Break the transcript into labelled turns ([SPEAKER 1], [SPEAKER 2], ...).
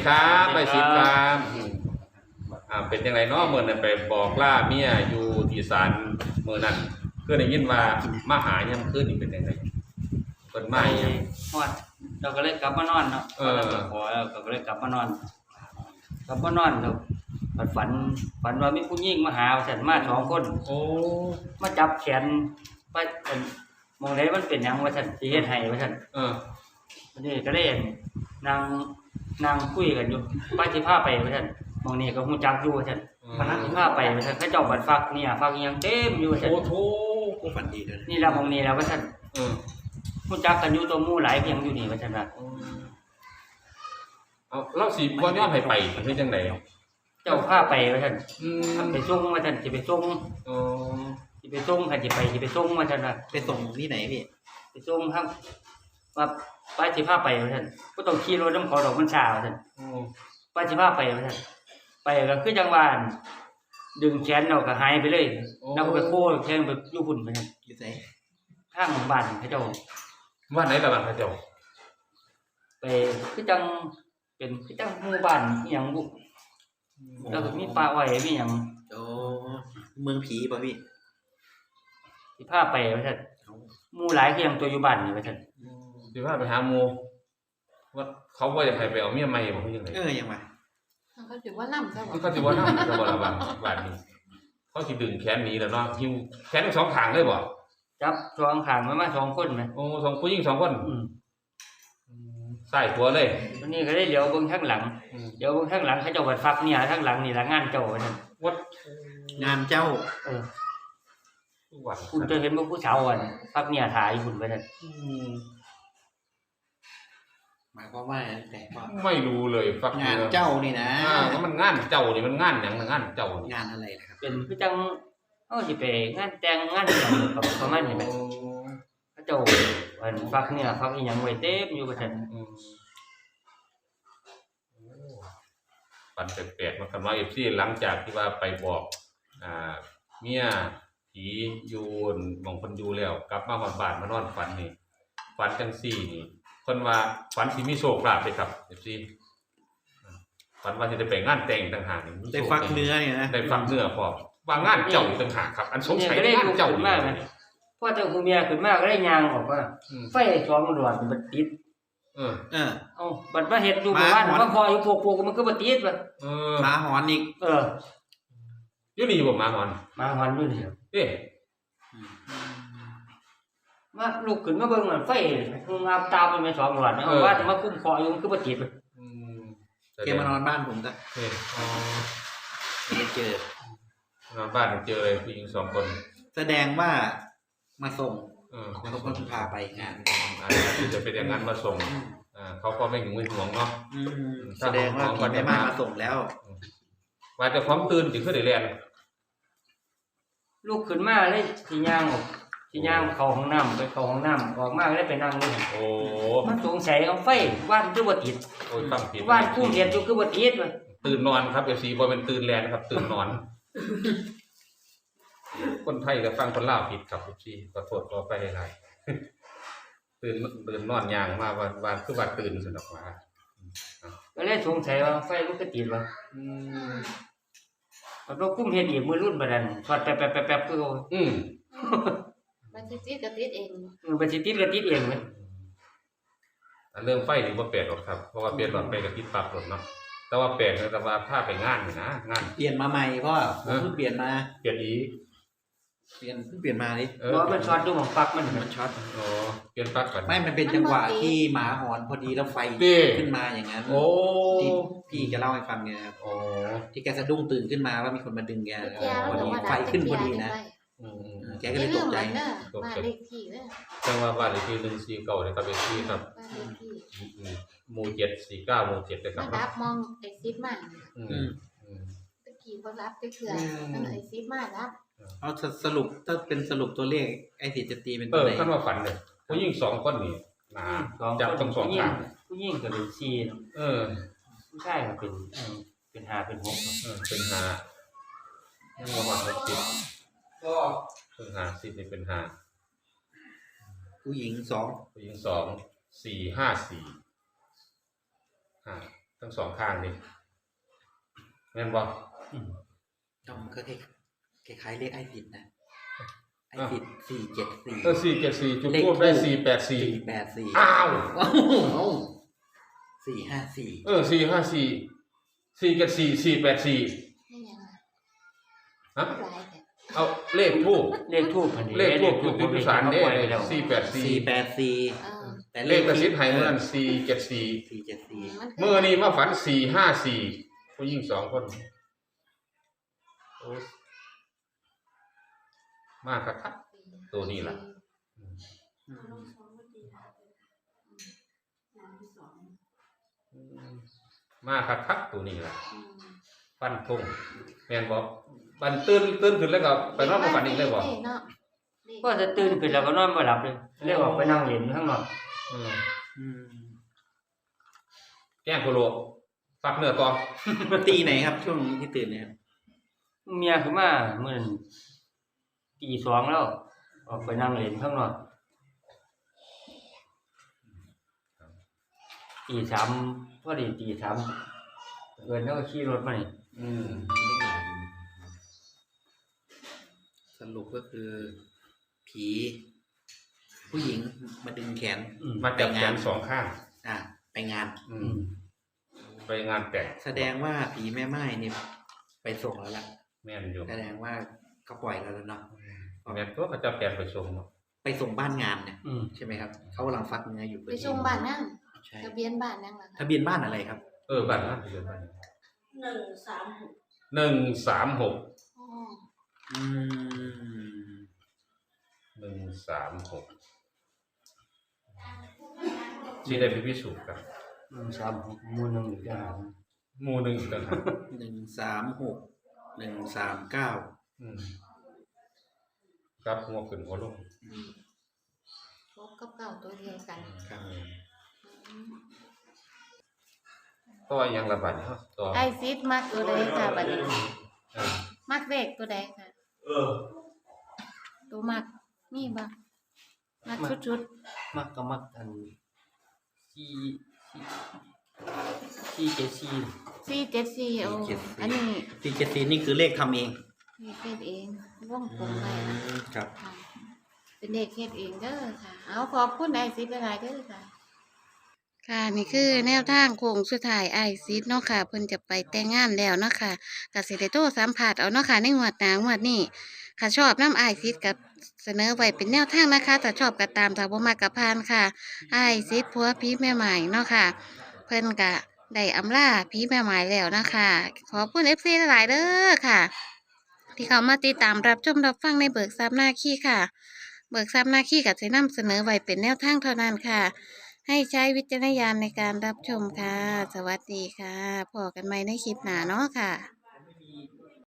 [SPEAKER 1] ครับไปสิครับเป็นยังไงเนาะเมื่อนั้นไปบอกล่าเมียอยู่ที่ศาลเมื่อนั้นเพื่อนได้ยินว่ามาหายังคืนนี่เป็นยังไงเพิ่นมาหยัง
[SPEAKER 2] ฮอดเราก็เลยกลับมานอนเนาะขอแล้วก็เลยกลับมานอนแล้วฝันว่ามีผู้หญิงมาหาฉันมา2คน
[SPEAKER 1] โอ้
[SPEAKER 2] มาจับแขนไปมองไหนมันเป็นหยังว่าฉันสิเฮ็ดให้ว่าฉันนี่ก็เลยนั่งคุยกันอยู่ไปสิพาไปว่าฉันมองนี่ก็ฮู้จักอยู่ว่าฉันพนักสิพาไปว่าฉันเขาเจ้าบัดฟักเนี่ยฟักอีหยังเต็มอยู่ว่าฉัน
[SPEAKER 1] โอ้โธ
[SPEAKER 3] ฝันดีเด้อ
[SPEAKER 2] นี่ล่ะมองนี่ล่ะว่าฉันฮู้จักกันอยู่ตัวหมู่หลายเพียงอยู่นี่ว่าฉันว่า
[SPEAKER 1] เอาเราสิบ่ยอมให้ไปเฮ็ดจังได๋
[SPEAKER 2] เจ้าพาไปว่าฉันไปส่งว่าฉันสิไปส่งสิไปส่งค่ะสิไปส่งว่าฉันว่า
[SPEAKER 3] ไปส่งที่ไหนพี่
[SPEAKER 2] ไปส่งครับว่าไปสิพาไปว่าฉันบ่ต้องขี่รถนำเขาดอกมันช้าว่าฉันไปสิพาไปว่าฉันไปก็คือจังหวะดึงแขนเราก็หายไปเลยแล้วก็ไปโค้แขนไปอยู่พุ่นว่าซั่น
[SPEAKER 3] อยู่ไส
[SPEAKER 2] ทางบ้านเขาเจ้า
[SPEAKER 1] บ้านไหนล่ะบ้านเขาเจ้า
[SPEAKER 2] ไปคือจังเป็นคือจังหมู่บ้านอีหยังบุแล้วก็มีป่าอ้อยมีหยัง
[SPEAKER 3] โอ้เมืองผีป่ะพี่
[SPEAKER 2] สิพาไปว่าซั่นหมู่หลายคือหยังตัวอยู่บ้านนี่ว่าซั่น
[SPEAKER 1] สิพาไปหาหมู่ว่าเขาบ่อยากให้ไปเอาเมียใหม่บ่คือจังได๋
[SPEAKER 3] ยังว่า
[SPEAKER 4] เขาสิว่านำซะบ่
[SPEAKER 1] เขาสิว่านำซะบ่ล่ะบ้านนี้เขาสิดึงแขนหนีแล้วเนาะหิ้วแขนทั้ง2ข้างเลยบ่
[SPEAKER 2] จับ2ข้างมา2คนแม่
[SPEAKER 1] โอ้2ผู้หญิง2คนซ้ายขวาเลย
[SPEAKER 2] วันนี้ก็ได้เหลียวเบิ่งข้างหลังเดี๋ยวเบิ่งข้างหลังเขาเจ้าบัดฟักเนี่ยข้างหลังนี่ละงานเจ้าว่าซั่น
[SPEAKER 1] วัด
[SPEAKER 3] งานเจ้า
[SPEAKER 2] คุณจะเห็นว่าผู้สาวอ่ะฟักเนี่ยถ่ายคุณว่าซั่น
[SPEAKER 3] หมายความว่าแต่ว่า
[SPEAKER 1] ไม่รู้เลยฟัก
[SPEAKER 3] งานเจ้านี่นะ
[SPEAKER 1] มันงานเจ้านี่มันงานหยังงานเจ้าง
[SPEAKER 3] านอะไรนะครับ
[SPEAKER 2] เป็นคือจังสิไปงานแต่งงานหยังประมาณนี้แหละเขาเจ้ามันฟักเนี่ยฟักอีหยังไว้เต็มอยู่ว่าซั่น
[SPEAKER 1] ปันแปลกๆมาคำว่า FC หลังจากที่ว่าไปบอกเมียผีอยู่หม่องเพิ่นอยู่แล้วกลับมาฮอดบ้านมานอนฝันนี่ฝันจังซี่นี่เพิ่นว่าฝันสิมีโชคลาภเด้ครับ FC ฝันว่าสิได้ไปงานแต่งต่างหากนี่
[SPEAKER 3] ได้ฟักเนื้อเนี่ยนะ
[SPEAKER 1] ได้ฟักเนื้อพร้อมว่างานเจ้าต่างหากครับอันสงสัยงานเจ้า
[SPEAKER 2] มากนะพอเจ้าผู้เมียขึ้นมาก็ได้ย่างออกว่าไฟ2หลอดมันติดบัดมาเฮ็ดอยู่บ้านว่าพออยู่พวกมันคือบ่ติดว่ะ
[SPEAKER 3] หมาหอนอีก
[SPEAKER 1] อยู่นี่บ่หมาหอน
[SPEAKER 2] อยู่นี่
[SPEAKER 1] เอ๊ะ
[SPEAKER 2] มาลุกขึ้นมาเบิ่งไฟงามตามัน2หลอดว่าแต่มาคุ้มคออยู่มันคือบ่ติด
[SPEAKER 3] แกมานอนบ้านผมจ้ะไม่เจ
[SPEAKER 1] อนอนบ้านเจอเลยผู้หญิง2คน
[SPEAKER 3] แสดงว่ามาส่งเขาก็พาไปงาน
[SPEAKER 1] จะเป็นอย่างนั้นมาส่งเขาก็ไม่หึงไม่หวงเนาะ
[SPEAKER 3] แสดงว่าพี่แม่มาส่งแล้ว
[SPEAKER 1] ว่าจะพร้อมตื่นถึงขึ้นได้เรียน
[SPEAKER 2] ลูกขึ้นมาเลยสิย่างเข้าห้องน้ำไปเข้าห้องน้ำออกมาเลยไปนั่งเลย
[SPEAKER 1] โอ้
[SPEAKER 2] มันสงสัยเอาไฟว่านคือบ่ติด
[SPEAKER 1] โอ้ยฟังผิด
[SPEAKER 2] ว่านคู่เรียนอยู่คือบ่ติดว่ะ
[SPEAKER 1] ตื่นนอนครับ FC บ่เป็นตื่นแลนครับตื่นนอนคนไทยก็ฟังคนลาวผิดครับ FC ขอโทษขอไปหลายตื่นนอนย่างมาวันคือว่าตื่นสนุกว่า
[SPEAKER 2] ก็เลยสงสัยว่าไฟมันก็ติดว่ะเรากุ้มเฮ็ดอีกมื้อรุ่นบัดนั้นช็อตแป๊บๆๆคือ
[SPEAKER 4] มันสิติดก็ติดเอง
[SPEAKER 2] มันสิติดก็ติดเองเว้ย
[SPEAKER 1] เรื่องไฟนี่บ่แปลกหรอกครับเพราะว่าเปลี่ยนหลอดไปก็ติดปรับรถเนาะแต่ว่าแปลกแต่ว่าถ้าไปงานนี่นะงาน
[SPEAKER 3] เปลี่ยนมาใหม่พ่อเพิ่งเปลี่ยนมา
[SPEAKER 1] เปลี่ยนอีก
[SPEAKER 3] เปลี่ยนมาดิ
[SPEAKER 2] ว่ามันช็อตอยู่ของปลั๊กมัน
[SPEAKER 3] ช็อต
[SPEAKER 1] เปลี่ยนปลั๊กก่อน
[SPEAKER 3] ไม่มันเป็นจังหวะที่หมาหอนพอดีแล้วไฟขึ้นมาอย่างนั้นที่พี่แกเล่าให้ฟังไงครับที่แกสะดุ้งตื่นขึ้นมาว่ามีคนมาดึงแกพอดีไฟขึ้นพอดีนะแกก็เลยตกใจ
[SPEAKER 4] บ้านเลขที่เด้อ
[SPEAKER 1] จังว่าบ้านเลขที่149เนี่ยครับเป็นที่ครับหมู่749หมู่7เลยครับ
[SPEAKER 4] รับมองไอ้ซิปมาตะกี้บ่รับไปเถื่อมันไอ้ซิปมารับ
[SPEAKER 3] เอาสรุปถ้าเป็นสรุปตัวเลขไอ้ที่จะตีเป็นตัวไหน
[SPEAKER 1] คันว่าฝันเลยผู้หญิง2คนนี่จับทั้ง2ข้าง
[SPEAKER 2] ผู้หญิงก็เป็น4เนาะผู้ชายก็เป็น5เป็น6
[SPEAKER 1] เป็น5ยังบ่ฮอด10ก็เป็น5 10นี่เป็น5
[SPEAKER 3] ผู้หญิง2
[SPEAKER 1] 4 5 4ถ้ทั้งสองข้างนี่แม่นบ่
[SPEAKER 3] ต้องก็คล้ายๆเลขไอ้ผิดนะไอ้ผิด474
[SPEAKER 1] 474จุดทูบได้484
[SPEAKER 3] 484
[SPEAKER 1] อ้าว
[SPEAKER 3] 454
[SPEAKER 1] 454 474 484
[SPEAKER 4] ให้ยังไง
[SPEAKER 1] ฮะ
[SPEAKER 4] หลายแต่
[SPEAKER 1] เอาเลขทูบ
[SPEAKER 2] เลขทูบพันนี้
[SPEAKER 1] เลขทูบจุดที่ศาลเด้
[SPEAKER 2] แล้ว
[SPEAKER 1] 484
[SPEAKER 3] 484แต่
[SPEAKER 1] เลขกระซิบให้เมื่อนั้น474
[SPEAKER 3] 474
[SPEAKER 1] เมื่อนี้มาฝัน454ผู้หญิง2คนโอ้มาคักๆตัวนี้ล่ะมาคักๆตัวนี้ล่ะฟันธงแม่นบ่บันตื่นขึ้นแล้วก็ไปนอนมาฝันอีกเลยบ่
[SPEAKER 2] ก็จะตื่นขึ้นแล้วก็นอนบ่หลับเลยเรียกว่าไปนั่งเล่นข้างนอก
[SPEAKER 1] แกล้งโคโลฟักเนื้อต่อ
[SPEAKER 3] ตีไหนครับช่วงที่ตื่นเนี่ยครับ
[SPEAKER 2] เมียขึ้นมามื้อนั้นตี 2แล้วออกไปนั่งเล่นข้างนอกตี 3พอดีตี 3เอิ้นแล้วก็ขี่รถมานี่
[SPEAKER 3] สรุปก็คือ ผีผู้หญิงมาดึงแขน
[SPEAKER 1] มาจับแขนสองข้าง
[SPEAKER 3] ไปงาน
[SPEAKER 1] ไปงานแต่ง
[SPEAKER 3] แสดงว่าผีแม่ไม้นี่ไปส่งแล้วล่ะ
[SPEAKER 1] แม่นอยู่
[SPEAKER 3] แสดงว่าเขาปล่อยแล้วเนาะ
[SPEAKER 1] แม่นตัวเขาจับแขนไปส่งเนาะ
[SPEAKER 3] ไปส่งบ้านงานเนี่ยใช่ไหมครับเขากำลังฟักเนื้ออยู่
[SPEAKER 4] ไปส่งบ้านนั่ง
[SPEAKER 3] ใช่
[SPEAKER 4] ทะเบียนบ้านนั่งหลัง
[SPEAKER 3] ทะเบียนบ้านอะไรครับ
[SPEAKER 1] บ้านนั้นเดือนบ้าน
[SPEAKER 4] 136
[SPEAKER 1] 136
[SPEAKER 4] อ๋อ
[SPEAKER 1] 136สิได้ไปพิสูจน์กัน
[SPEAKER 2] 36หมู่1อีกแล้ว
[SPEAKER 1] หมู่หนึงอีกต่างหาก
[SPEAKER 3] 136
[SPEAKER 1] ครับหัวขึ้นหัวลง
[SPEAKER 4] พบกับเก่าตัวเดียวกัน
[SPEAKER 3] 139ครับ
[SPEAKER 1] ต่อยังละบาดเนาะต่อ
[SPEAKER 4] ไอซิดมักตัวใดค่ะบัดนี้มักเลขตัวใดค่ะตัวมักมีบ่มักชุด
[SPEAKER 2] มักก็มักอัน
[SPEAKER 4] 474โอ้อันนี้
[SPEAKER 3] 474นี่คือเลขทำเอง
[SPEAKER 4] เฮ็ดเองวงกลมไว้นะครับ ค่ะเป็นเลขเฮ็ดเองเด้อค่ะ เอาขอบคุณไอซิดหลายๆเด้อค่ะ ค่ะนี่คือแนวทางโค้งสุดท้ายไอซิดเนาะค่ะเพิ่นจะไปแต่งงานแล้วเนาะค่ะก็สิได้โทรสัมภาษณ์เอาเนาะค่ะในงวดหน้างวดนี้ค่ะชอบนำไอซิดกับเสนอไว้เป็นแนวทางนะคะถ้าชอบก็ตามถ้าบ่มักก็ผ่านค่ะไอซิดผัวผีแม่ใหม่เนาะค่ะเพิ่นก็ได้อำลาผีแม่ใหม่แล้วนะคะขอบคุณ FC หลายๆเด้อค่ะ ที่เขามาติดตามรับชมรับฟังในเบิกทรัพย์หน้าขี้ค่ะ เบิกทรัพย์หน้าขี้ก็จะนำเสนอไว้เป็นแนวทางเท่านั้นค่ะ ให้ใช้วิจารณญาณในการรับชมค่ะ สวัสดีค่ะพบกันใหม่ในคลิปหน้าเนาะค่ะ